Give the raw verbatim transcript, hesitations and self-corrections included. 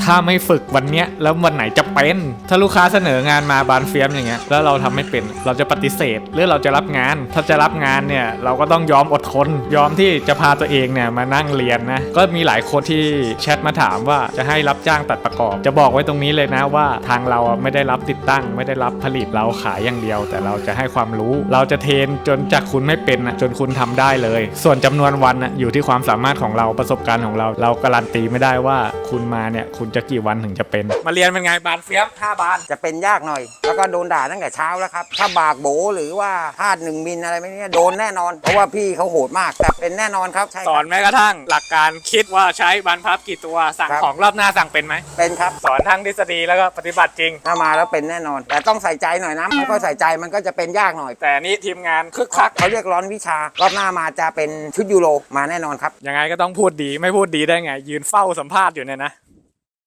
ถ้าไม่ฝึกวันเนี้ยแล้ววันไหนจะเป็นถ้าลูกค้าเสนองานมาบานเฟียมอย่างเงี้ยแล้วเราทำไม่เป็นเราจะปฏิเสธหรือเราจะรับงานถ้าจะรับงานเนี่ยเราก็ต้องยอมอดทนยอมที่จะพาตัวเองเนี่ยมานั่งเรียนนะก็มีหลายคนที่แชทมาถามว่าจะให้รับจ้างตัดประกอบจะบอกไว้ตรงนี้เลยนะว่าทางเราไม่ได้รับติดตั้งไม่ได้รับผลิตเราขายอย่างเดียวแต่เราจะให้ความรู้เราจะเทรนจนจากคุณไม่เป็นจนคุณทำได้เลยส่วนจำนวนวันอยู่ที่ความสามารถของเราประสบการณ์ของเราเราการันตีไม่ได้ว่าคุณมาเนี่ยคุณจะกี่วันถึงจะเป็นมาเรียนเป็นไงบานเฟียมห้าบานจะเป็นยากหน่อยแล้วก็โดนด่าตั้งแต่เช้าแล้วครับถ้าบากโบหรือว่าพลาดหนึ่งมิลอะไรไม่เนี่ยโดนแน่นอนเพราะว่าพี่เขาโหดมากแต่เป็นแน่นอนครับสอนแม้กระทั่งหลักการคิดว่าใช้บานพับกี่ตัวสั่งของรอบหน้าสั่งเป็นไหมเป็นครับสอนทั้งทฤษฎีแล้วก็ปฏิบัติจริงถ้ามาแล้วเป็นแน่นอนแต่ต้องใส่ใจหน่อยนะไม่ค่อยใส่ใจมันก็จะเป็นยากหน่อยแต่นี่ทีมงานคึกคักเขาเรียกร้อนวิชารอบหน้ามาจะเป็นชุดยูโรมาแน่นอนครับยังไงก็ต้องพูดดีไม่พูดดีได้ไงยืนเฝ้าสัมภาษณ์อยู่เนี่ยนะ